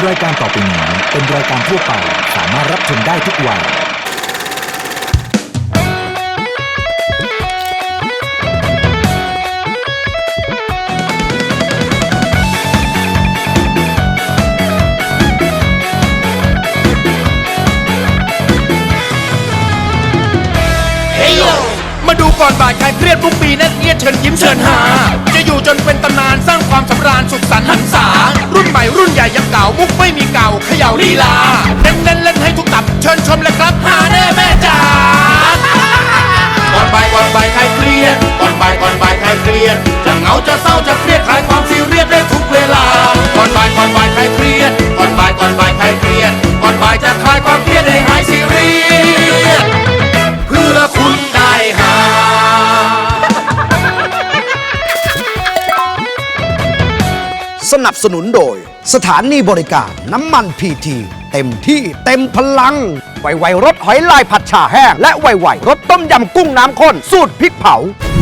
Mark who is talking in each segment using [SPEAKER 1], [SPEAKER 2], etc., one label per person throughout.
[SPEAKER 1] รายการต่อไปนี้เป็นรายการทั่วไปสามารถรับชมได้ทุกวัย
[SPEAKER 2] มาดูก่อนบ่ายใครเครียดทุกปีนั่นเอียดเชิญยิ้มเชิญหาจะอยู่จนเป็นตำนานสร้างความสำราญสุขสันต์หันษารุ่นใหม่รุ่นใหญ่ยังเก่ามุกไม่มีเก่าเขย่าลีลาเน้นเล่นให้ทุกตับเชิญชมเลยครับหาแน่แม่จ๋าก่อนบ่ายใครเครียดก่อนบ่ายใครเครียดจะเหงาจะเศร้าจะเครียดคลายความซีเรียสได้ทุกเวลาก่อนบ่ายใครเครียดก่อนบ่ายใครเครียดก่อนบ่ายจะคลายความเครียดให้หายซีเรียสเพื่อคุณได้หา
[SPEAKER 3] สนับสนุนโดยสถานีบริการน้ำมันพีทีเต็มที่เต็มพลังไวๆรสหอยลายผัดฉ่าแห้งและไวๆรสต้มยำกุ้งน้ำข้นสูตรพริกเผา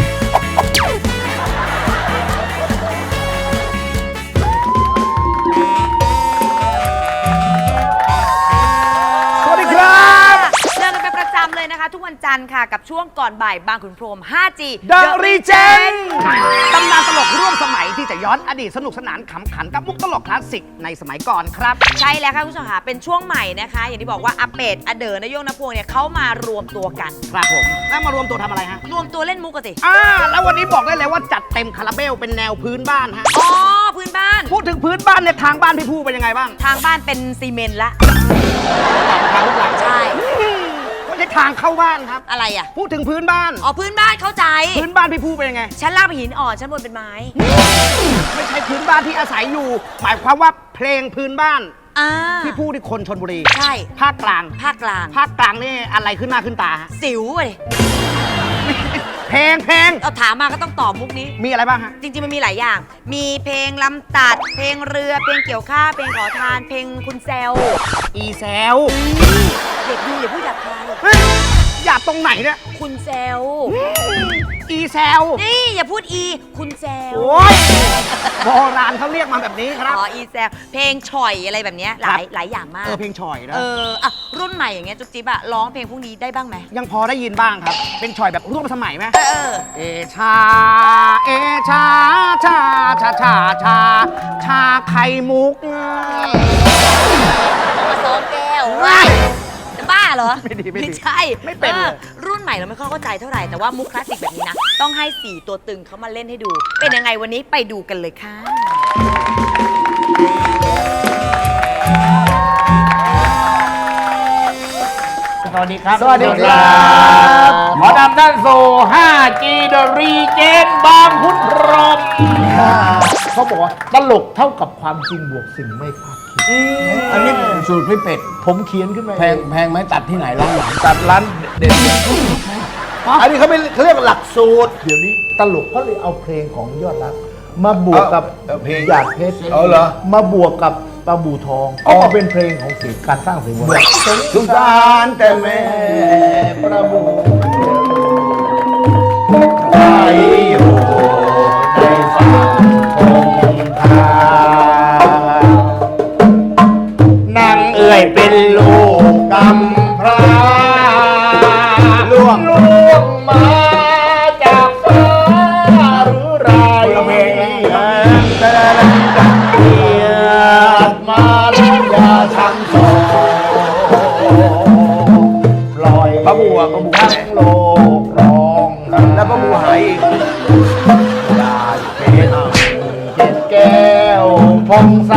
[SPEAKER 3] สวัสดีครับ
[SPEAKER 4] เจอกันเป็นประจำเลยนะคะ ทุกวันจันทร์ค่ะกับช่วงก่อนบ่ายบางขุนพรหม 5G
[SPEAKER 3] The Regen ตำนานตลกร่วมสมัยที่จะย้อนอดีตสนุกสนานขำขันกับมุกตลกคลาสสิกในสมัยก่อนครับ
[SPEAKER 4] ใช่แล้วค่ะคุณผู้ชมค่ะเป็นช่วงใหม่นะคะ อย่างที่บอกว่าอาเป็ดอาเด๋อนายโยงนพวงเนี่ยเขามารวมตัวกัน
[SPEAKER 3] ครับผมแล้วมารวมตัวทำอะไรฮะ
[SPEAKER 4] รวมตัวเล่นมุกกันสิ
[SPEAKER 3] แล้ววันนี้บอกได้เลยว่าจัดเต็มคาราเบลเป็นแนวพื้นบ้านฮะ
[SPEAKER 4] อ๋อพื้นบ้าน
[SPEAKER 3] พูดถึงพื้นบ้านเนี่ยทางบ้านพี่ผู้เป็นยังไงบ้าง
[SPEAKER 4] ทางบ้านเป็นซีเมนต์ละ
[SPEAKER 3] ทางลูกหลัง
[SPEAKER 4] ใช่
[SPEAKER 3] ไม่ใช่ทางเข้าบ้านครับ
[SPEAKER 4] อะไรอ่ะ
[SPEAKER 3] พูดถึงพื้นบ้าน
[SPEAKER 4] อ๋อพื้นบ้านเข้าใจ
[SPEAKER 3] พื้นบ้านพี่ผู้เป็นยังไง
[SPEAKER 4] ชั้นล่างเป็นหินอ่อนชั้นบนเป็นไม้
[SPEAKER 3] ไม่ใช่พื้นบ้านที่อาศัยอยู่ หมายความว่าเพลงพื้นบ้าน
[SPEAKER 4] อ่า
[SPEAKER 3] พี่ผู้ที่คนชนบุรี
[SPEAKER 4] ใช่
[SPEAKER 3] ภาคกลาง
[SPEAKER 4] ภาคกลาง
[SPEAKER 3] ภาคกลางนี่อะไรขึ้นหน้าขึ้นตาฮะ
[SPEAKER 4] สิวเลย
[SPEAKER 3] เพลง
[SPEAKER 4] เอาถามมาก็ต้องตอบมุกนี้
[SPEAKER 3] มีอะไรบ้างฮะ
[SPEAKER 4] จริงๆมันมีหลายอย่าง มีเพลงลำตัด เพลงเรือ เพลงเกี่ยวข้าวเพลงขอทาน เพลงคุณแซว
[SPEAKER 3] อีแซว
[SPEAKER 4] เด็กดูอย่าพูดหยาบคาย
[SPEAKER 3] เฮ้ยหยาบตรงไหนเนี่ย
[SPEAKER 4] คุณแซว
[SPEAKER 3] อีแซว
[SPEAKER 4] นี่อย่าพูดอี คุณแซว
[SPEAKER 3] โอ้ยโบราณเขาเรียกมาแบบนี้ครับ
[SPEAKER 4] อ๋ออีแซว เพลงฉ่อยอะไรแบบเนี้ยหลายอย่างมาก
[SPEAKER 3] เพลงฉ่อยนะ
[SPEAKER 4] อ่ะรุ่นใหม่อย่างเงี้ยจุ๊บจิ๊บอะร้องเพลงพวกนี้ได้บ้างไหม
[SPEAKER 3] ยังพอได้ยินบ้างครับ เป็นฉ่อยแบบร่วมสมัยไหม
[SPEAKER 4] เออ
[SPEAKER 3] เอชา เอชา ชา ชา ชา ชา ชาไข่มุก
[SPEAKER 4] มาซ้อมแก้วว้ายจะบ้าเหรอ
[SPEAKER 3] ไม่ดี
[SPEAKER 4] ไม่ใช่
[SPEAKER 3] ไม่เป็นเลย
[SPEAKER 4] รุ่นใหม่เราไม่ค่อยเข้าใจเท่าไหร่ แต่ว่ามุกคลาสสิกแบบนี้นะ ต้องให้4ตัวตึงเขามาเล่นให้ดู เป็นยังไงวันนี้ไปดูกันเลยค่ะ
[SPEAKER 5] สวัสดีครับ
[SPEAKER 3] สวัสดีครับ
[SPEAKER 5] ขอนำท่านสู่ 5G The Regen บางขุนพรหมเขาบอกว่าตลกเท่ากับความจริงบวกสิ่งไม่คาดคิด
[SPEAKER 6] อันนี้สูตรพี่เป็ด
[SPEAKER 5] ผมเขียนขึ้นมา
[SPEAKER 6] แพงไหมตัดที่ไหนร้านไหน
[SPEAKER 5] ตัดร้านเด็ด
[SPEAKER 6] อันนี้เขาเรียกหลักสูตร
[SPEAKER 5] เดี๋ยวนี้ตลกเขาเลยเอาเพลงของยอดรักมาบวกกับ
[SPEAKER 6] เพลง
[SPEAKER 5] หยาดเพชร
[SPEAKER 6] เอาเหรอ
[SPEAKER 5] มาบวกกับปลาบูทองก็มาเป็นเพลงของเสียงการสร้างเสียงว่า
[SPEAKER 6] สงสารแต่แม่ประบูใจอยู่ในฝั่งคงคานางเอ่ยเป็นลูกกำพร้าล่วงมาจากฟ้าหรือไรเกียรติมาแล้วอย่าทำโศปล่อยพระบัวทั้งโลกร้องแล้วพระบัวหายอีกยาเป็นเจ็ดแก้วพองใส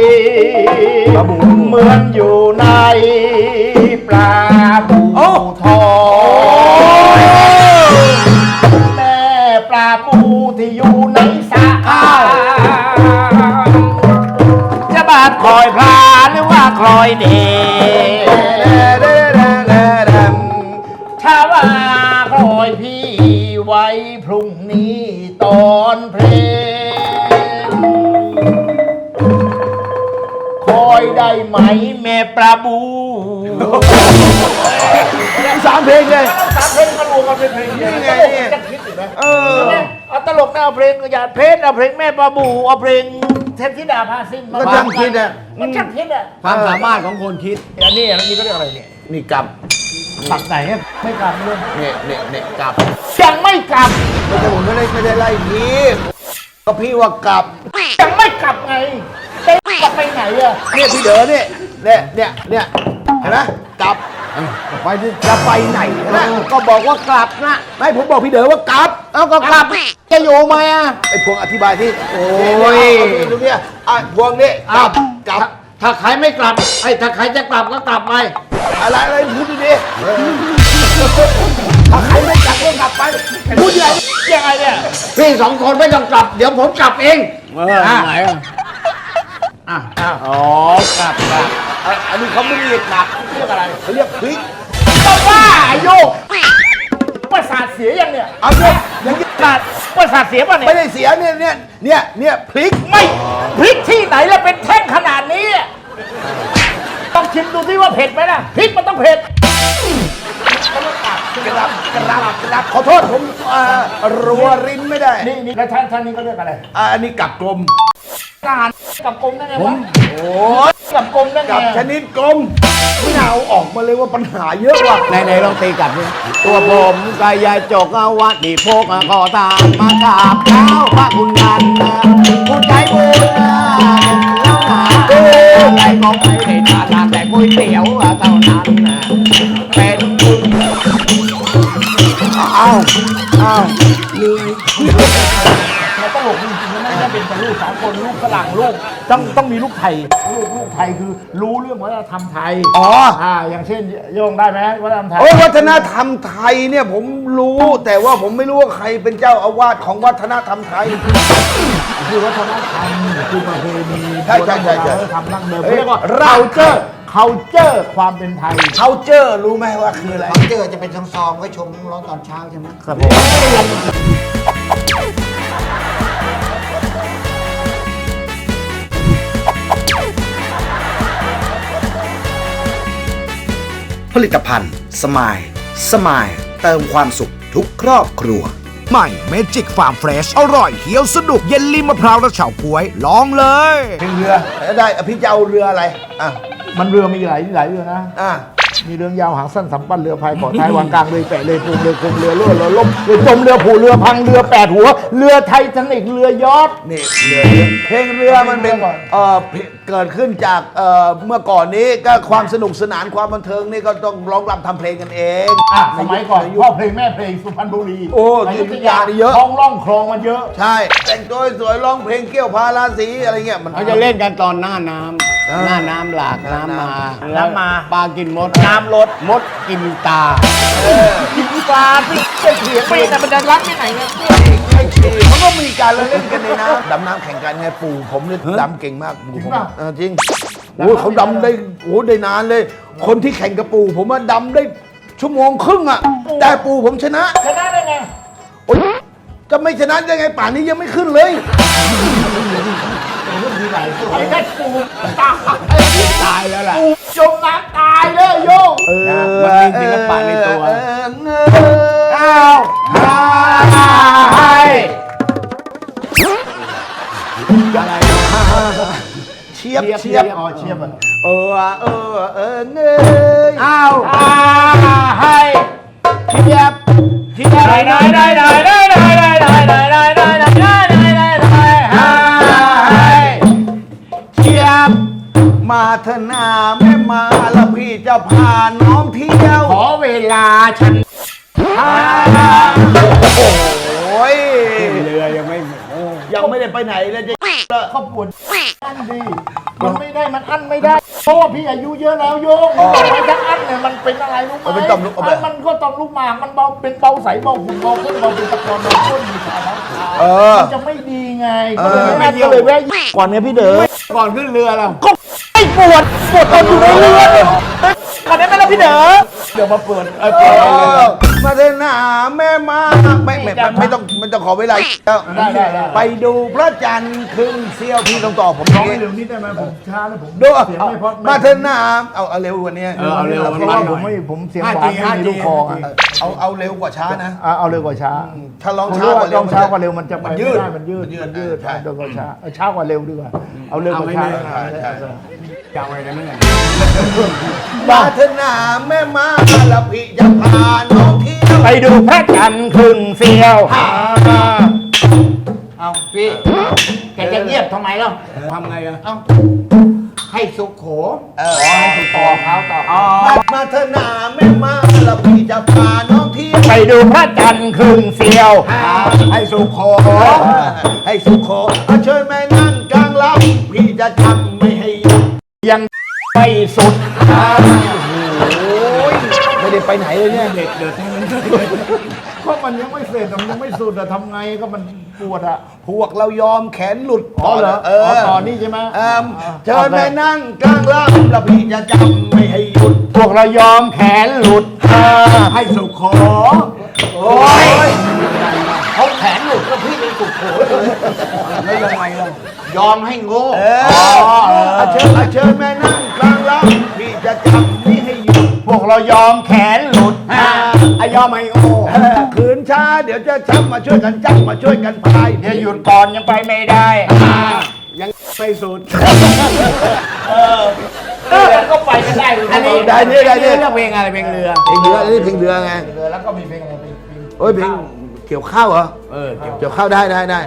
[SPEAKER 6] เหมือนอยู่ในปลาบูทองแม่ปลาบูที่อยู่ในสระจะบาดคอยพลาหรือว่าคอยเดถ้าว่าคอยพี่ไว้พรุ่งนี้ตอนเพลงคอยได้ไหมแม่ปลาบูสามเพลงเลยสามเพลงมารวมกันเป็นเพลงนี่ไงจะคิดอีกไหมเอาตลกเอาเพลงหยาดเพชรเอาเพลงแม่ปลาบูเอาเพลง
[SPEAKER 5] เทพธิดาพาซิ่ง
[SPEAKER 6] ก็ช่างคิดอะ
[SPEAKER 5] มันช่างคิดอะ
[SPEAKER 6] ความสามารถของคนคิด
[SPEAKER 5] อันนี้ก็เรียกอะไรเนี่ย
[SPEAKER 6] นี่กลับ
[SPEAKER 5] ตัดไหนเนี่ยไม่กลับเลย
[SPEAKER 6] เนี่ยกลับ
[SPEAKER 5] ยังไม่กลับ
[SPEAKER 6] ไม่ใช่ผมไม่ได้ไล่พี่ก็พี่ว่ากลับ
[SPEAKER 5] ยังไม่กลับไงจะกลับไปไหนอะ
[SPEAKER 6] เนี่ยพี่เด๋อเนี่ยเห็นไหมกลับไปดิจะไปไหนนะก็บอกว่ากลับนะไม่ผมบอกพี่เด๋อว่ากลับเอ้าก็กลับจะอยู่ไหมอ่ะไอ้พวงอธิบายที่โอ้ยดูเนี่ยพวงนี่กลับ
[SPEAKER 7] ถ้าใครไม่กลับถ้าใครจะกลับก็กลับไป
[SPEAKER 6] อะไรพูดดีๆถ้าใครไม่กลับก็กลับไปพูดยังไง
[SPEAKER 5] ยังไงเนี่ย
[SPEAKER 7] พี่สองคนไม่ต้องกลับ เดี๋ยวผมกลับเอง
[SPEAKER 6] ไหนอ๋อกลับอันนี้เขาไม่เรียกกลับเรียกอะไรเขาเรียกพลิก
[SPEAKER 5] ก็ว่าไอ้โยกประสาทเสียยังเนี่ย
[SPEAKER 6] เอาเนี่ยอย่างนี้
[SPEAKER 5] ประสาทเสียป่ะเนี่ย
[SPEAKER 6] ไม่ได้เสียเนี่ยพลิก
[SPEAKER 5] ไม่พริกที่ไหนแล้วเป็นแท่งขนาดนี้อะต้องชิมดูสิว่าเผ็ดไหมล่ะพริกมันต้องเผ็ด
[SPEAKER 6] กลับขอโทษผมรัวรินไม่ได้
[SPEAKER 5] นี่แล้วท่านนี้ก็เรียกอะไร
[SPEAKER 6] อันนี้กลับกลม
[SPEAKER 5] การกับกลมได้ไงวะ
[SPEAKER 6] โอ้ย
[SPEAKER 5] กับกลมได้ไง
[SPEAKER 6] กลับชนิดกลมไม่เอาออกมาเลยว่าปัญหาเยอะว่ะในลองตีกลับเนี่ยตัวผมกายายจกเอาวัดดีโพกขอตามมากราบเท้าพระคุณนันผู้ใจบุญแล้วหาใจก็ไม่ได้ทานแต่ก๋วยเตี๋ยวเท่านั้นเป็นบุญอ้าวเหนื่อย
[SPEAKER 5] มันตลกจริงๆนะไม่ใช่เป็นแต่ลูกสากลลูกฝรั่งลูกต้องมีลูกไทยลูกไทยคือรู้เรื่องวัฒนธรรมไทย
[SPEAKER 6] อ๋อ
[SPEAKER 5] อย่างเช่นโยงได้ไหมวัฒนธรรมไทย
[SPEAKER 6] โอ้ยวัฒนธรรมไทยเนี่ยผมรู้แต่ว่าผมไม่รู้ว่าใครเป็นเจ้าอาวาสของวัฒนธรรมไทย
[SPEAKER 5] คือวัฒนธรรมคือประเพณี
[SPEAKER 6] ใช่วัฒนธรรม
[SPEAKER 5] ดั้งเดิม
[SPEAKER 6] เอ้ย
[SPEAKER 5] เรียกว่า culture ความเป็นไทย
[SPEAKER 6] เขาเจอรู้ไหมว่าคืออะไร
[SPEAKER 7] เจอจะเป็นซองๆไว้ชมร้อนตอนเช้าใช่ไหม
[SPEAKER 5] ครับผม
[SPEAKER 3] ผลิตภัณฑ์สมายเติมความสุขทุกครอบครัว ใหม่เมจิกฟาร์มเฟรชอร่อยเคี้ยวสนุกเย็นลิมมะพร้าวและเฉาก๊วย ลองเลย
[SPEAKER 6] เป็นเรือได้พี่จะเอาเรืออะไร
[SPEAKER 5] มันเรือมีหลายเรือนะ มีเรือยาวหางสั้นสำปั้นเรือพายเกาะท้ายวางกลางเรือแปะเรือปูเรือคงเรือล่วเรือล่มเรือจมเรือผูเรือพังเรือแปดหัวเรือไททานิคเรือยอชต์
[SPEAKER 6] นี่เรือเพลงเรือมันเป็นเกิดขึ้นจากเมื่อก่อนนี้ก็ความสนุกสนานความบันเทิงนี่ก็ต้องร้องรำทำเพลงกันเอง
[SPEAKER 5] สมัยก่อนพ่อเพลงแม่เพลงสุพรรณบุรี
[SPEAKER 6] โอ้
[SPEAKER 5] อยุธ
[SPEAKER 6] อยุธ
[SPEAKER 5] ยาย
[SPEAKER 6] านี่เยอะ
[SPEAKER 5] ท้องร่องคลองมันเยอะ
[SPEAKER 6] ใช่แต่งตัวสวยร้องเพลงเกี่ยวพาราศีอะไรเงี้ยมัน
[SPEAKER 7] เขาจะเล่นกันตอนหน้าน้ำหน้าน้ำหลากน้ำมาปลากินมดน้ำลดมดกินตา
[SPEAKER 5] กินปลาที่จะเถียงไปแต่มันจะรักที่ไหนเนี่ย
[SPEAKER 6] เขาก็มีการเล่นกันในน้ำดำน้ำแข่งกันไงปู่ผมเนี่ยดำเก่งมากปู่ผมจริงโอ้เขาดำได้ได้นานเลย คนที่แข่งกับปู่ผมว่าดำได้ชั่วโมงครึ่งอ่ะแต่ปู่ผมชนะ
[SPEAKER 5] ชนะได้ไง
[SPEAKER 6] โอ๊ยจะไม่ชนะได้ไงป่านนี้ยังไม่ขึ้นเลย
[SPEAKER 5] ไอ้แค่ปูตาย
[SPEAKER 7] แล้วล่ะ
[SPEAKER 5] ปูจมน้ำตายเลยโยง
[SPEAKER 7] มันมีศิลปะในตัว
[SPEAKER 5] อ้าวอะไร
[SPEAKER 6] เชียบ
[SPEAKER 5] เชียบอ๋อเชียบอ่ะ
[SPEAKER 6] เงย
[SPEAKER 5] อ้าวให้เชียบเชียบ
[SPEAKER 6] มาเถอะนาแม่มาแล้วพี่จะพาน้องเที่ยว
[SPEAKER 5] ขอเวลาฉัน
[SPEAKER 6] โอ้ย
[SPEAKER 7] เรือยังไม่
[SPEAKER 6] ยังไม่ได้ไปไหนเลยจะ
[SPEAKER 5] เขาปวดอันดีมันไม่ได้มันอั้นไม่ได้เพราะว่าพี่อายุเยอะแล้วโยงไม่ถ้าอั้นเนี่ยมันเป็นอะไรรู้ไหมมันก็ต่อมลูกหมากมันเบาเป็นเบาใสเบาหุ่นเบาขึ้นเบาเป็นตะกอนเบาขึ้นมีสารมันจะไม่ดีไงก็เลยแวะก่อนเนี่ยพี่เด๋อ
[SPEAKER 7] ก่อนขึ้นเรือเรา
[SPEAKER 5] ก็ไม่ปวดตอนอยู่ในเรือก่อนได้ไหมล่ะพี่เด๋อ
[SPEAKER 6] เดี๋ยวมาเปิดมาเถอะนะแม่มาไม่ต้องขอเวลาแล้ว
[SPEAKER 5] ได้
[SPEAKER 6] ไปดูพระจันทร์ครึ่งเสี้ยวพี่ต้องตอบผม
[SPEAKER 5] ร้องให้เร็วนิดได้ไหมผมช้าแล้วผม
[SPEAKER 6] ดู
[SPEAKER 5] เสียงไม่เพราะ
[SPEAKER 6] มาเถอะนะเอาเร็วกว่านี้
[SPEAKER 7] เอาเร็ว
[SPEAKER 5] เพราะว่าผมเสียงหวานไม่มีลูกคออ่ะ
[SPEAKER 6] เอาเร็วกว่าช้านะ
[SPEAKER 5] เอาเร็วกว่าช้า
[SPEAKER 6] ถ้าร้อง
[SPEAKER 5] ผม
[SPEAKER 6] ช้า
[SPEAKER 5] รู้
[SPEAKER 6] ก
[SPEAKER 5] ว่า
[SPEAKER 6] ว่าเร็
[SPEAKER 5] ร้
[SPEAKER 6] ว
[SPEAKER 5] องช้ากว่าเร็วมันจะไป
[SPEAKER 6] มัน
[SPEAKER 5] ไม่
[SPEAKER 6] ยืด
[SPEAKER 5] ได้มันยืด
[SPEAKER 6] ใช่
[SPEAKER 5] เร็วกว่าช้าช้ากว่าเร็วดีกว่า เอาเร็วกว่าช้า
[SPEAKER 7] จำไว้นะเนี่ย
[SPEAKER 6] มาเถอะนะแม่มาแล้วพี่จะพาน้องเที่ยว
[SPEAKER 5] ไปดูพระจันทร์ครึ่งเสี้ยว
[SPEAKER 8] เอาพี่แกจะเงียบทำไมล่ะ
[SPEAKER 7] ทำไงอะ
[SPEAKER 8] เอาให้สุขโข
[SPEAKER 6] ให้ถูกต่อเขาต่อมาเถอะนะแม่มาแล้วพี่จะพาน้องเที่ยว
[SPEAKER 5] ไปดูพระจันทร์ครึ่งเสี้ยว
[SPEAKER 6] ให้สุขโขให้สุขโขเชิญแม่นั่งกลางลำพี่จะทำไม่ให้หยุด
[SPEAKER 5] ยังไม่สุด
[SPEAKER 6] ไม่ได้ไปไหนเลยเนี่ย
[SPEAKER 5] ก็มันยังไม่เสร็จมันยังไม่สุดอะทำไงก็มันปวดอะ
[SPEAKER 6] พวกเรายอมแขนหลุด
[SPEAKER 5] อ๋อเหรอ
[SPEAKER 6] เอ
[SPEAKER 5] อ๋อ
[SPEAKER 6] อ
[SPEAKER 5] ตอนนี้ใช่ไหม
[SPEAKER 6] เชิญแม่นั่งกลางลำแล้วพี่จะจำไม่ให้หยุด
[SPEAKER 5] พวกเรายอมแขนหลุด
[SPEAKER 6] ให้สุขโข
[SPEAKER 8] โอ้ยเขาแขนหลุดก็พี่เป็นสุขโขแล้วยังไงล่ะยอมให้โง่
[SPEAKER 6] เชิญแม่นั่งกลางลำพี่จะจำไม่ให้หยุด
[SPEAKER 5] พวกเรายอมแขนหลุด
[SPEAKER 6] อายอมไม่โอ้ขืนช้าเดี๋ยวจะช้ำมาช่วยกันจับมาช่วยกันพาย
[SPEAKER 5] เดี๋ยวหยุดก่อนยังไปไม่ได้
[SPEAKER 6] ยังไม่สุด
[SPEAKER 8] ก็ไปกันได้
[SPEAKER 6] อันนี้ได้เนี่ยได้เนี่ย
[SPEAKER 7] เรื่องเพลงอะไรเพลงเรือ
[SPEAKER 6] เพลงเรืออันนี้เพลงเรือไง
[SPEAKER 5] แล้วก็มีเพลงอะไรเพลง
[SPEAKER 6] โอ้ยเพลงเกี่ยวข้าวเหรอ เกี่ยวข้าวได้นะ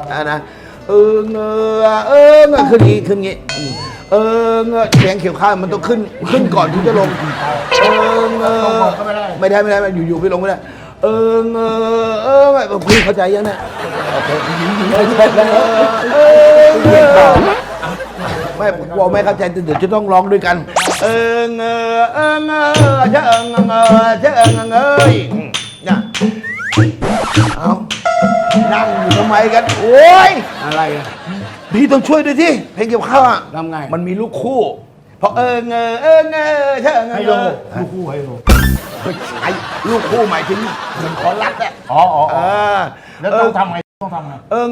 [SPEAKER 6] ขึ้นงี้เสียงเกี่ยวข้าวมันต้องขึ้นก่อนถึงจะลงไม่ได้อยู่ไปลงไม่ได้พี่เข้าใจยังเนี่ยไม่กลัวไม่เข้าใจเดี๋ยวจะต้องร้องด้วยกันเนี่ยเอานั่งอยู่ทำไมกัน โอ้ย
[SPEAKER 7] อะไรอะ
[SPEAKER 6] พี่ต้องช่วยด้วยที่เพลงเกี่ยวข้าวอ่ะ
[SPEAKER 7] ทำไง
[SPEAKER 6] มันมีลูกคู่เพราะ
[SPEAKER 5] ให้ลงลูกคู่ให้ลง
[SPEAKER 6] ไอ้ลูกคู่หมายถึงเหมือนขอรัดอ่ะ
[SPEAKER 5] อ๋อแล้วต้องทำไงต้องทำไง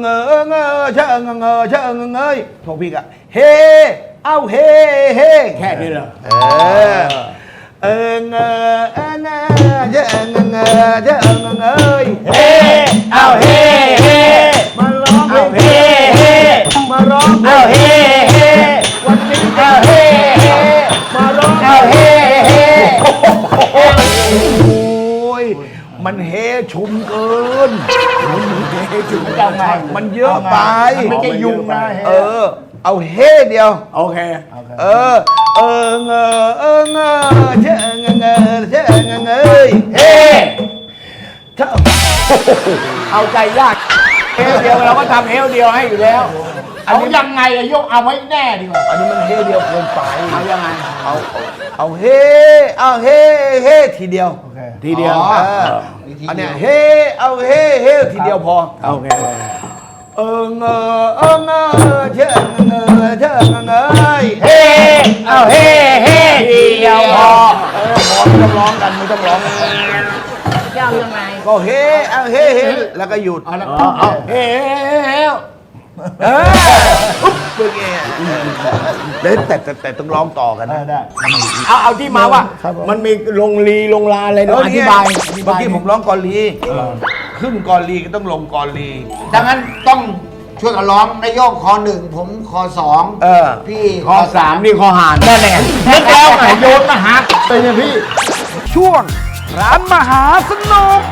[SPEAKER 6] พวกพี่ก็เฮเอาเฮ
[SPEAKER 7] แค่นี้เหรอ
[SPEAKER 6] เฮ้เอาเฮมาร้องเอาเฮมาร้องเอาเฮวันนี้เอาเฮมาร้องเอาเฮโอ้ยมันเฮชุมเกินมันเยอะไป
[SPEAKER 5] ไม่ใช่ยุงนะ
[SPEAKER 6] เอาเฮเดียว
[SPEAKER 7] โอเค
[SPEAKER 6] เฮ้
[SPEAKER 7] เอาใจยากเฮลเดียวเราก็ทำเฮลเดียวให้อยู่แล้ว
[SPEAKER 5] เอายังไงอะยกเอาไว้แน่ดีกว่า
[SPEAKER 6] อันนี้มันเฮเดียวเกินไป
[SPEAKER 7] เอายังไง
[SPEAKER 6] เอาเฮทีเดียว
[SPEAKER 7] ทีเดียว
[SPEAKER 6] อันเนี้ยเฮเอาเฮทีเดียวพอ
[SPEAKER 7] โอเค
[SPEAKER 6] เฮเอาเฮทีเดียวพอไม่ต้องร้องกันไม่ต้องร้อง
[SPEAKER 8] เจ้ายังไง
[SPEAKER 6] ก็เฮเอาเฮแล้วก็หยุด
[SPEAKER 7] เอาเฮล
[SPEAKER 6] ปึ๊กเองแล้วแต่ต้องร้องต่อกันนะ
[SPEAKER 5] ได้
[SPEAKER 7] เอาที่มาว่า มันมีลงลาอะไรเนาะอธิบาย
[SPEAKER 6] เมื่อกี้ผมร้องกอลีขึ้นกอลีก็ต้องลงกอลี
[SPEAKER 8] ดังนั้นต้องช่วยกันร้องนายโยกคอหนึ่งผมคอสองพี่
[SPEAKER 7] ข้อ3นี่ข้อหาน
[SPEAKER 5] นั่นแหละนึกแล้วไงโยนมาหาเป็นไงพี่
[SPEAKER 3] ช่วงร้านมหาสนุก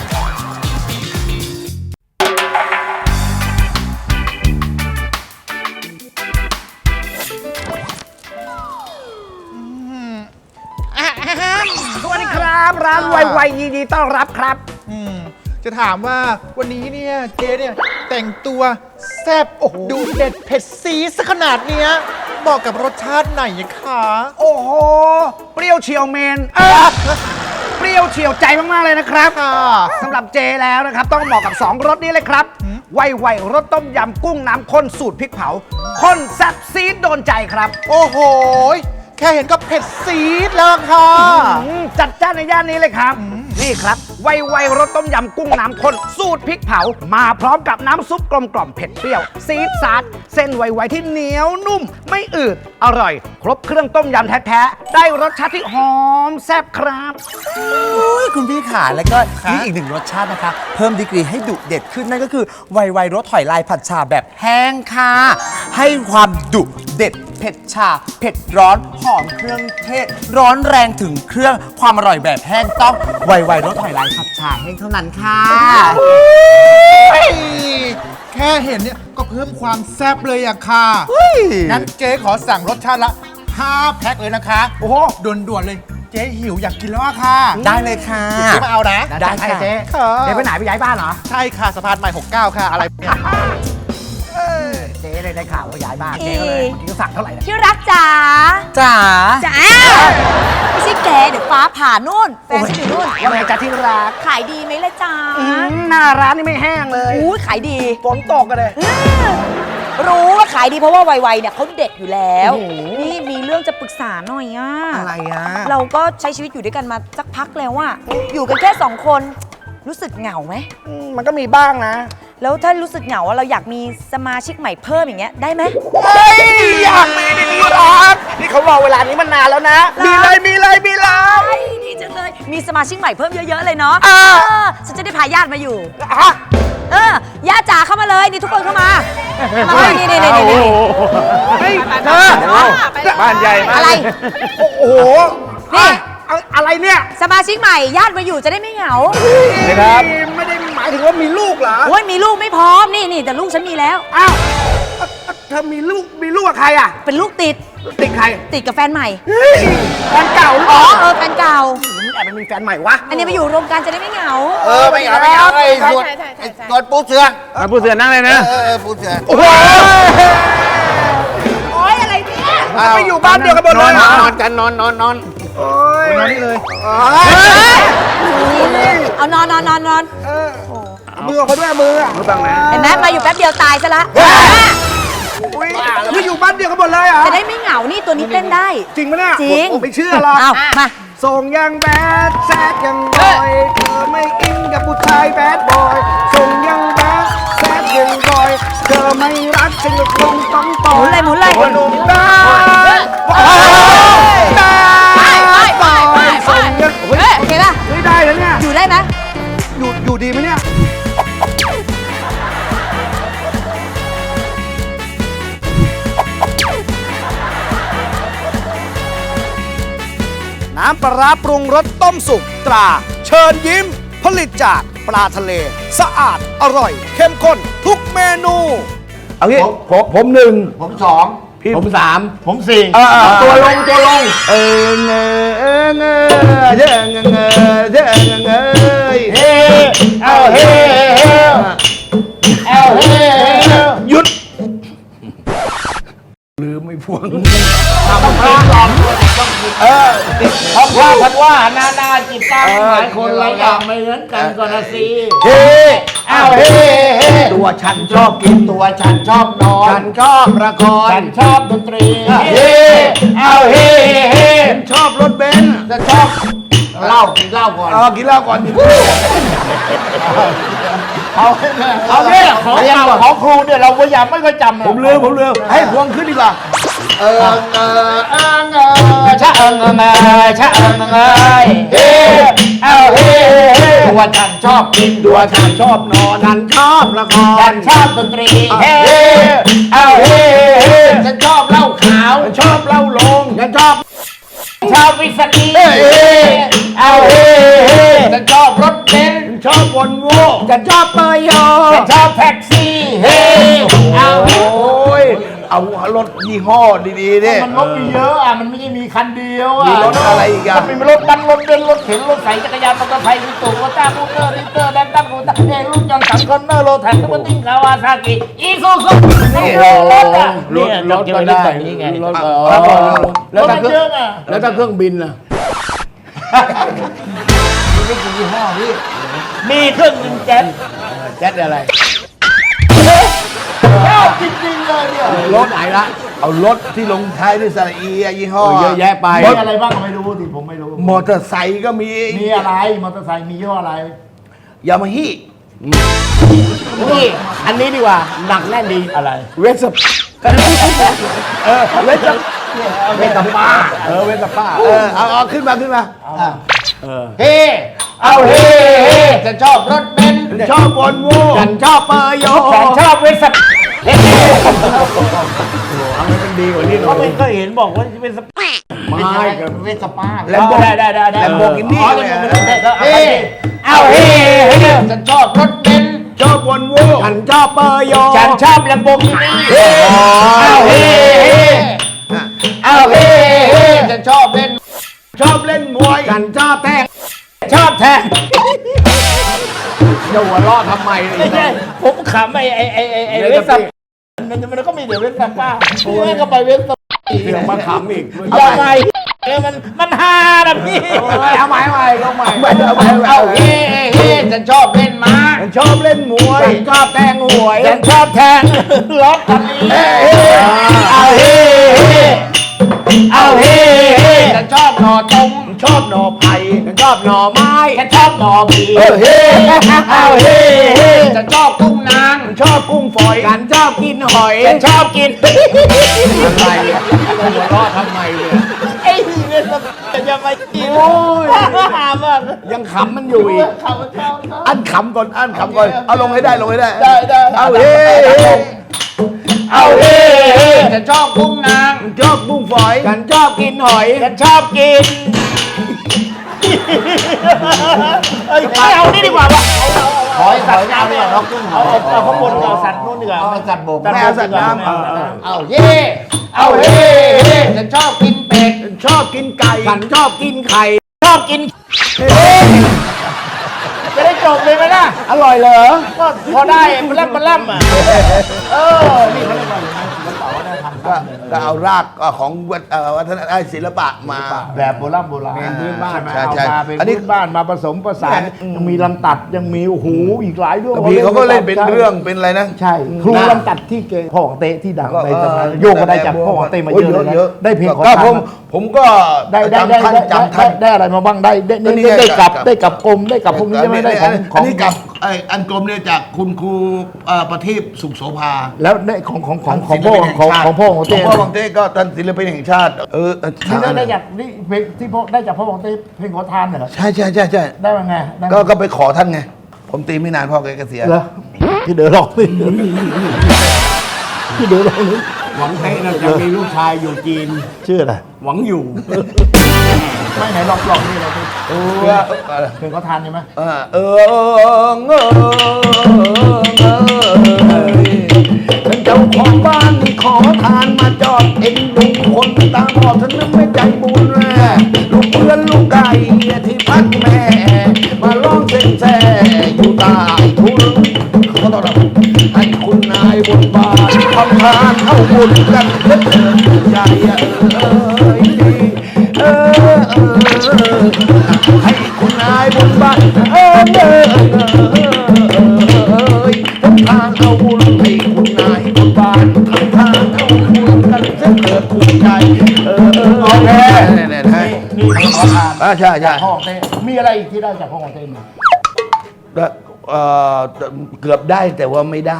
[SPEAKER 9] สวัสดีครับร้านไวๆยินดีต้อนรับครับ
[SPEAKER 10] จะถามว่าวันนี้เนี่ยเจ๊เนี่ยแต่งตัวแซ่บดูเด็ดเผ็ดซีดซะขนาดเนี้ยเหมาะกับรสชาติไหนอะคะ
[SPEAKER 9] โอ้โห เปรี้ยวเฉียวเมนเปรี้ยวเฉียวใจมาก ๆ เลยนะครับสำหรับเจแล้วนะครับ ต้องเหมาะกับ 2รสนี้เลยครับ ไวๆรสต้มยำกุ้งน้ำข้นสูตรพริกเผาข้นแซ่บซีดโดนใจครับ
[SPEAKER 10] โอ้โหแค่เห็นก็เผ็ดซีดแล้วค่ะ
[SPEAKER 9] จัดจ้านในย่านนี้เลยครับ นี่ครับไวรสต้มยำกุ้งน้ำข้นสูตรพริกเผา มาพร้อมกับน้ำซุปกลมกล่อมเผ็ดเปรี้ยวซีดซาดเส้นไวที่เหนียวนุ่ม ไม่อืดอร่อย ครบเครื่องต้มยำแท้ๆได้รสชาติที่หอมแซ่บครับ
[SPEAKER 11] อุ๊ยคุณพี่ขาแล้วก็นี่อีกหนึ่งรสชาตินะคะ เพิ่มดีกรีให้ดุเด็ดขึ้นนั่นก็คือไวรสหอยลายผัดชาแบบแห้งค่ะ ให้ความดุเด็ดเผ็ดชา เผ็ดร้อนหอมเครื่องเทศ ร้อนแรงถึงเครื่องความอร่อยแบบแห้งต้องไวรสหอยลายผัดชาแห้งเท่านั้นค่ะ
[SPEAKER 10] แค่เห็นเนี่ยก็เพิ่มความแซ่บเลยอะค่ะ งั้นเจ๊ขอสั่งรสชาติละ5 แพ็คเลยนะคะ โอ้โหด่วนๆเลย เจ๊หิวอยากกินแล้วอะค่ะ
[SPEAKER 11] ได้เลยค่ะ
[SPEAKER 10] เจ๊มาเอานะ
[SPEAKER 11] ได้ค่ะ
[SPEAKER 9] เจ๊
[SPEAKER 10] ค่ะ
[SPEAKER 9] เจ๊ไปไหนไปย้ายบ้านเหรอ
[SPEAKER 10] ใช่ค่ะสะพานใหม่ 69 ค่ะ อะไรเนี่ย
[SPEAKER 9] เจ๊ได้ข่าวว่าย้ายบ้าน เจ๊ก็เลยเมื่อกี้ก็สั่งเท่าไหร่นะ
[SPEAKER 4] ที่รักจ๋า
[SPEAKER 11] จ๋า
[SPEAKER 4] จ๋าไม่ใช่แกเดี๋ยวฟ้าผ่านู่นแฟนฉันอยู่นู่น
[SPEAKER 9] ยังไงจ๊ะที่รัก
[SPEAKER 4] ขายดีไหมล่ะจ๋า
[SPEAKER 9] หน้าร้านนี่ไม่แห้งเลย
[SPEAKER 4] อู้ขายดี
[SPEAKER 9] ฝนตกกันเลย
[SPEAKER 4] รู้ว่าขายดีเพราะว่าไวๆเนี่ยเขาเด็ดอยู่แล้ว นี่มีเรื่องจะปรึกษาหน่อยอ่ะ
[SPEAKER 9] อะไรอ่ะ
[SPEAKER 4] เราก็ใช้ชีวิตอยู่ด้วยกันมาสักพักแล้วอะอยู่กันแค่2 คน รู้สึกเหงาไหม
[SPEAKER 9] มันก็มีบ้างนะ
[SPEAKER 4] แล้วถ้ารู้สึกเหงาอะเราอยากมีสมาชิกใหม่เพิ่มอย่างเงี้ยได้ไหม
[SPEAKER 9] อยากมีในนี้รักนี่เขารอเวลานี้มานานแล้วนะ มีเลยมีเลยมีเลย
[SPEAKER 4] ดีจังเลย มีสมาชิกใหม่เพิ่มเยอะๆเลยเนาะฉันจะได้พาญาติมาอยู่
[SPEAKER 9] ฮะ
[SPEAKER 4] ญาติจ๋าเข้ามาเลยนี่ทุกคนเข้ามานี่
[SPEAKER 9] เฮ้ยเธอ
[SPEAKER 6] บ้านใหญ่มาก
[SPEAKER 4] อะไร
[SPEAKER 9] โอ้โห
[SPEAKER 4] นี่
[SPEAKER 9] อะไรเนี่ย
[SPEAKER 4] สมาชิกใหม่ญาติมาอยู่จะได้ไม่เหงา
[SPEAKER 6] ครับ
[SPEAKER 9] ไม่ได้หมายถึงว่ามีลูกเหรอ
[SPEAKER 4] โอ้ยมีลูกไม่พร้อมนี่แต่ลูกฉันมีแล้ว
[SPEAKER 9] อ้าวเธอมีลูกกับใครอ่ะ
[SPEAKER 4] เป็นลูกติด
[SPEAKER 9] ติดใคร
[SPEAKER 4] ติดกับแฟนใหม่
[SPEAKER 9] เฮ้ยแฟนเก่าหรือเป
[SPEAKER 4] อ๋อ
[SPEAKER 9] ล่า
[SPEAKER 4] แฟนเก่า
[SPEAKER 9] แอบมันมีแฟนใหม่วะ
[SPEAKER 4] อันนี้มาอยู่รวมกันจะได้ไม่เหงา
[SPEAKER 8] ไม่เอาไอ้ส่วนส่วนปูเสือ
[SPEAKER 6] ผู้เสือนั่งเลยนะ
[SPEAKER 8] ปูเสือ
[SPEAKER 9] โอ้โห
[SPEAKER 4] โอ๊ยอะไรเนี่ย
[SPEAKER 9] ไปอยู่บ้านเดียวกันหมด
[SPEAKER 6] น
[SPEAKER 9] เล
[SPEAKER 6] อน
[SPEAKER 9] ยเหรอน
[SPEAKER 6] อนกันนอน
[SPEAKER 9] โอ้ย
[SPEAKER 10] นอนนี่เลย
[SPEAKER 4] เอานอน
[SPEAKER 9] มือเขาด้วยมืออ่ะ
[SPEAKER 4] เห็นไหมมาอยู่แป๊บเดียวตายซะละ
[SPEAKER 9] อุ้ยคืออยู่บ้านเดียวกันหมดเลยเหรอ่ะ
[SPEAKER 4] จะได้ไม่เหงานี่ตัวนี้เต้นได้
[SPEAKER 9] จริงปะเนี่ย
[SPEAKER 4] จริง
[SPEAKER 9] ผมไม่เชื่อหรอก
[SPEAKER 4] เอามา
[SPEAKER 9] ส่งยังแบดแซดยังบอยเธอไม่อินกับผู้ชายแบดบอยส่งยังแบดแซดยังบอยเธอไม่รักฉันก็คงต้องต่อ
[SPEAKER 4] หมุนเลย
[SPEAKER 9] หนุ่มได้ส่งยัง
[SPEAKER 4] โอเคป่ะ
[SPEAKER 9] ไม่ได้แล้วเนี่ย
[SPEAKER 4] อยู่ได้ไหม
[SPEAKER 9] อยู่ดีไหมเนี่ย น้ำปลาร้าปรุงรสต้มสุกตรา เชิญยิ้ม ผลิตจากปลาทะเล สะอาดอร่อย เข้มข้นทุกเมนู
[SPEAKER 6] เอางี้ผมหนึ่ง
[SPEAKER 8] ผมสอง
[SPEAKER 6] ผมสาม
[SPEAKER 8] ผมสี่
[SPEAKER 6] ตัวลงเงเงเงเงเงเงเงเฮ้เอาเฮ้เอาเฮ้หยุดลืมไม่พวง
[SPEAKER 8] ทำพระหลอมทำพระพันว่านาจิตตั้งหลายคนหลายอย่างไม่เหมือนกันก็นะสิ
[SPEAKER 6] เฮ้เอาเฮ้ตัวฉันชอบกิน
[SPEAKER 8] ตัวฉันชอบนอน
[SPEAKER 6] ฉันชอบละคร
[SPEAKER 8] ฉันชอบดนตรี
[SPEAKER 6] เฮ้เอาเฮ้ฉันชอบรถเบนซ์
[SPEAKER 8] ฉันชอบเหล้ากินเหล้าก่อน
[SPEAKER 6] กินเหล้าก่อน
[SPEAKER 8] เอาเนี่ยของครูเนี่ยเราพยายามไม่ค่อยจำ
[SPEAKER 6] ผมลืมให้พวงขึ้นดีกว่า
[SPEAKER 8] ชะชะเฮ้เอาเฮ้ตัวฉันชอบกิน
[SPEAKER 6] ตัวฉันชอบนอนฉันชอบละค
[SPEAKER 8] ฉั
[SPEAKER 6] ร
[SPEAKER 8] นชอบดนตรีเฮ้เอาเฮ้ฉันชอบเหล้าขาว
[SPEAKER 6] ฉันชอบเหล้าลงฉันชอบ
[SPEAKER 8] ชอบวิสกี้เอาเฮ้ฉันชอบรถเบนซ์
[SPEAKER 6] ฉันชอบวอลโว่
[SPEAKER 8] ฉันชอบเปย์โยฉันชอบแท็กซี่เฮ้เอา
[SPEAKER 6] โอ้ยเอารถยี่ห้อดีๆเนี่ย
[SPEAKER 8] มันรถมีเยอะอ่ะมันไม่ใช่มีคันเดียวอ่ะ
[SPEAKER 6] มีรถอะไรอีกอ่ะ
[SPEAKER 8] มันมีรถบัสรถเบนซ์รถเข็นรถใส่จักรยานมอเตอร์ไซค์มีตู่รถจ้าบูเตอร์ดิเตอร์แดนตัมบูตาเอรุ่นยนต์3 คอนเนอร์โรแทนทุกติ้งคาวาซากิอีซูซูนี่รถอ่ะเนี่ยรถก็ได้นี่ไงรถ
[SPEAKER 6] แล้วถ้าเค
[SPEAKER 8] เย
[SPEAKER 6] รื่อง
[SPEAKER 8] อะอ่ะ
[SPEAKER 6] แล้วถ้าเครื่องบินล่ะ
[SPEAKER 8] มีเครื่องบินเจ็ต
[SPEAKER 6] แจ็ตอะไร
[SPEAKER 8] ชอบจริงๆเลยเนี่ย
[SPEAKER 6] รถไหนละเอารถที่ลงท้ายด้วยสระอียี่ห้อ
[SPEAKER 7] เยอะแยะไป
[SPEAKER 5] มีอะไรบ้างก็ไม่รู้ดิผมไม่รู้
[SPEAKER 6] มอเตอร์ไซค์ก็มี
[SPEAKER 5] มีอะไรมอเตอร์ไซค์มียี่ห้ออะไร
[SPEAKER 6] ยามาฮ่
[SPEAKER 7] นี่อันนี้ดีกว่าหนักแน่นดี
[SPEAKER 5] อะไร
[SPEAKER 6] เวสป์เวสป์
[SPEAKER 5] เวสป้า
[SPEAKER 6] เวสป้าเอาขึ้นมา
[SPEAKER 7] เฮ้เอาเฮ้เฮ้ฉันชอบรถเบนซ์
[SPEAKER 6] ชอบบอลโว่
[SPEAKER 7] ฉันชอบเปอร์โย
[SPEAKER 8] ฉันชอบเวสต์
[SPEAKER 6] เอาให้มันดีกว่านี้หน่
[SPEAKER 8] เขา
[SPEAKER 6] อย
[SPEAKER 8] ไม่เคยเห็นบอกว่าเป็นสปา
[SPEAKER 7] ไม่กับ
[SPEAKER 5] เวสป้า
[SPEAKER 6] แลมโบ
[SPEAKER 8] ได้
[SPEAKER 6] แลมโบกินี่
[SPEAKER 8] อ๋อ
[SPEAKER 6] เลย
[SPEAKER 8] เฮ้เอาเฮ้เฮ้ฉันชอบรถเบนซ์
[SPEAKER 6] ชอบบอลโว่
[SPEAKER 7] ฉันชอบเปอร์โย
[SPEAKER 8] ฉันชอบแลมโบกินี่เอาเฮ้เฮ้เอาเฮ้เฮ้ฉันชอบเล่น
[SPEAKER 6] ชอบเล่นมวย
[SPEAKER 7] ฉันชอบแทง
[SPEAKER 8] ชอบแทง
[SPEAKER 7] จะหัวเราะทำไม
[SPEAKER 8] ไม่ใช่ผมขำไอ้เวสต์มันก็มีเดี๋ยวเวสต์ป้าผมก็ไปเวสต์
[SPEAKER 7] เสียงมาขำอีก
[SPEAKER 8] ยังไงมันฮานะพี่
[SPEAKER 7] เอาใหม่ก็ใหม่
[SPEAKER 8] เอาเฮ้เฮ้ฉันชอบเล่นม้า
[SPEAKER 6] ชอบเล่นมวย
[SPEAKER 7] ฉันชอบแทงหวย
[SPEAKER 8] ฉันชอบแทงล็อกกันนี้เอาเฮ้เฮ้เอาเฮ้เฮ้ฉันชอบหน่อตรงชอบหน่อไผ่
[SPEAKER 7] ฉันชอบหน่อไม้
[SPEAKER 8] ฉันชอบหน่อบี
[SPEAKER 6] เฮ้
[SPEAKER 8] เอาเฮ้เฮ้ฉันชอบกุ้งนาง
[SPEAKER 6] ชอบกุ้งฝอย
[SPEAKER 7] ฉันชอบกินหอย
[SPEAKER 8] ฉันชอบกิน
[SPEAKER 7] อะไรหัวเราะทำไมเนี่ย
[SPEAKER 8] ไอ้นี่เนี่ยจะมากินหามาก
[SPEAKER 7] ยังขำมันอยู่อีก
[SPEAKER 6] อันขำก่อนเอาลงให้ได้
[SPEAKER 8] ได้
[SPEAKER 6] เอาเฮ้
[SPEAKER 8] เอาเฮ้เฮ้ฉันชอบกุ้งนาง
[SPEAKER 6] ชอบกุ้งฝอย
[SPEAKER 7] ฉันชอบกินหอย
[SPEAKER 8] ฉันชอบกินไม่เอานี่ดีกว่าว่ะ
[SPEAKER 5] หอยสัตว์น้ำเนี่ยเรากุ้งหอย
[SPEAKER 8] เอาข้างบนเอาสัตว์นู้นดีกว่า
[SPEAKER 5] เอาสัตว์บก
[SPEAKER 6] ไม่เอาสัตว์น้ำ
[SPEAKER 8] เอาเย่เอาเฮ่เฮ่ฉันชอบกินเป็ด
[SPEAKER 6] ชอบกินไก่
[SPEAKER 7] ฉันชอบกินไข่
[SPEAKER 8] ชอบกินจะได้จบเลยไหมล่ะ
[SPEAKER 7] อร่อยเหรอ
[SPEAKER 8] ก็พอได้มันล่ำอ่ะนี่เขาเรียกว่าอะไรนะศิลปะวัฒนธรรม
[SPEAKER 6] ก็เอารากของวัฒนธรรมศิลปะมา
[SPEAKER 5] แบบโบราณ
[SPEAKER 6] พื้นบ้าน
[SPEAKER 5] ใช่ไหม
[SPEAKER 6] ใช่
[SPEAKER 5] เอามาเป็น
[SPEAKER 6] อันนี้
[SPEAKER 5] พื้นบ้านมาผสมผสานยังมีลำตัดยังมีโอ้โหอีกหลายเรื่อง
[SPEAKER 6] บางทีเขาก็เล่นเป็นเรื่องเป็นอะไรนะ
[SPEAKER 5] ใช่ครูลำตัดที่เกพ่อของเต้ที่ดังในสมัยโยกก็ได้จากพ่อของเต้มาเยอะเลยนะได้เพลงของ
[SPEAKER 6] ก็
[SPEAKER 5] ท่าน
[SPEAKER 6] ผมก็
[SPEAKER 5] ได้
[SPEAKER 6] จำท่าน
[SPEAKER 5] ได้อะไรมาบ้างได้ได้กับกรมได้กับพวกนี้ใช่ไหมได้ของ
[SPEAKER 6] อันนี้กับอันกลมเนี่ยจากคุณครูประทีปสุขโสภา
[SPEAKER 5] แล้วได้ของพ่อของพ่อของเต้
[SPEAKER 6] พ่อของเต้ก็ท่านศิลปินแห่งชาติ
[SPEAKER 5] ที่ได้จากนี่เพลงที่พ่อได้จากพ่อของเต้เพลงขอทานเหรอ
[SPEAKER 6] ใช่
[SPEAKER 5] ได้มาไง
[SPEAKER 6] ก็ไปขอท่านไงผมตีไม่นานพ่อแกเสีย
[SPEAKER 5] เหรอพี่เดือดร้องพี่เดือดร้อง
[SPEAKER 7] หวังเท่น่าจะมีลูกชายอยู่จีน
[SPEAKER 5] ชื่ออะไร
[SPEAKER 7] หวังอยู่
[SPEAKER 5] ไม่ไหนลองนี่เราเพลงขอทานใช่ไหม
[SPEAKER 6] เจ้าของบ้านขอทานมาจอดเอ็นดูคนตาบอดฉันนั้นไม่ใจบุญลูกเพื่อนลูกไก่ที่พักแม่มาร้องเส้นแซ่อยู่ใต้ทุนเขาต้องให้คุณนายบนบานทำทานเข้าบุญกันเพื่อใจให้คุณนายบนบานทำทานเอาบุญให้คุณนายบนบานทำทานเอาบุญกันเพื่อเกิดคุณใจโอเค
[SPEAKER 5] นี่ขอทาน
[SPEAKER 6] ใช่
[SPEAKER 5] พ่อของเต้มีอะไรอีกที่ได้จากพ่อของเต้มั้ย
[SPEAKER 6] เกือบได้แต่ว่าไม่ได้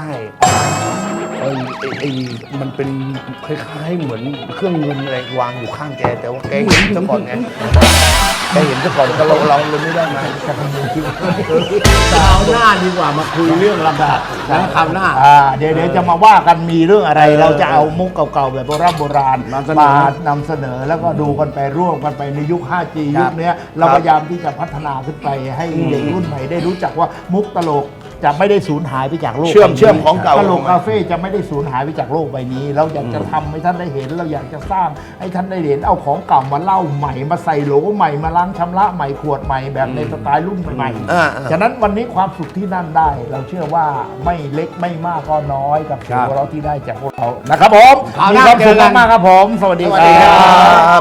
[SPEAKER 6] มันเป็นคล้ายๆเหมือนเครื่องเงินอะไรวางอยู่ข้างแกแต่ว่าแกเห็นซะก่อนไงแกเห็นซะก่อนก็เราเลยไม่ได้มา
[SPEAKER 7] คราวหน้าดีกว่ามาคุยเรื่องลำดับนะคราวหน้า
[SPEAKER 5] เดี๋ยวจะมาว่ากันมีเรื่องอะไรเราจะเอามุกเก่าๆแบบโบราณมานำเสนอแล้วก็ดูกันไปร่วมกันไปในยุค 5G ยุคนี้เราพยายามที่จะพัฒนาขึ้นไปให้เด็กรุ่นใหม่ได้รู้จักว่ามุกตลกจะไม่ได้สูญหายไปจากโลก
[SPEAKER 6] เชื่อมของเก่า
[SPEAKER 5] ตลกคาเฟ่จะไม่ได้สูญหายไปจากโลกใบนี้เราอยากจะทำให้ท่านได้เห็นเราอยากจะสร้างให้ท่านได้เห็นเอาของเก่ามาเล่าใหม่มาใส่โหลใหม่มาล้างชำระใหม่ขวดใหม่แบบในสไตล์รุ่นใหม่ๆฉะนั้นวันนี้ความสุขที่นั่นได้ เราเชื่อว่าไม่เล็กไม่มากก็น้อยกับสิ่งของเราที่ได้จากพวกเรานะครับผมมีความสุขมากๆครับผมสวัสดีครับ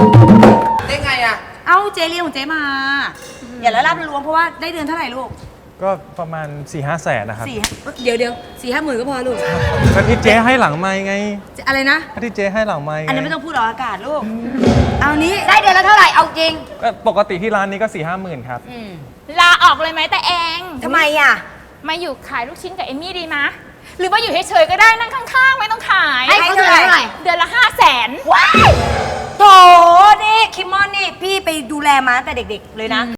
[SPEAKER 4] ได้ไงอ่ะเอ้าเจเรียกของเจมาอย่าละลาบละล้วงเพราะว่าได้เดือนเท่าไหร่ลูก
[SPEAKER 12] ก็ประมาณ 4-5 แสนนะครับ
[SPEAKER 4] เดี๋ยว4-5 หมื่นก็พอลูก
[SPEAKER 12] ก็ที่เจ๊ให้หลังไม้ไง
[SPEAKER 4] อะไรนะ
[SPEAKER 12] ก็ที่เจ๊ให้หลังไม้ไง
[SPEAKER 4] อันนั้นไม่ต้องพูดออกอากาศลูก เอานี้ได้เดือนละเท่าไหร่เอาจริง
[SPEAKER 12] ก็ปกติที่ร้านนี้ก็ 4-5 หมื่นครับ
[SPEAKER 13] ลาออกเลยไหมแต่เอง
[SPEAKER 4] ทำไมอ่ะ
[SPEAKER 13] มาอยู่ขายลูกชิ้นกับเอมมี่ดีมะหรือว่าอยู่เฉยๆก็ได้นั่งข้างๆ ไม่ต้องขาย
[SPEAKER 4] ให้เขาเท่าไหร่
[SPEAKER 13] เดือนละ500,000
[SPEAKER 4] ว้ายโถนี่คิมมอนนี่พี่ไปดูแลมาตั้งแต่เด็กๆเลยนะ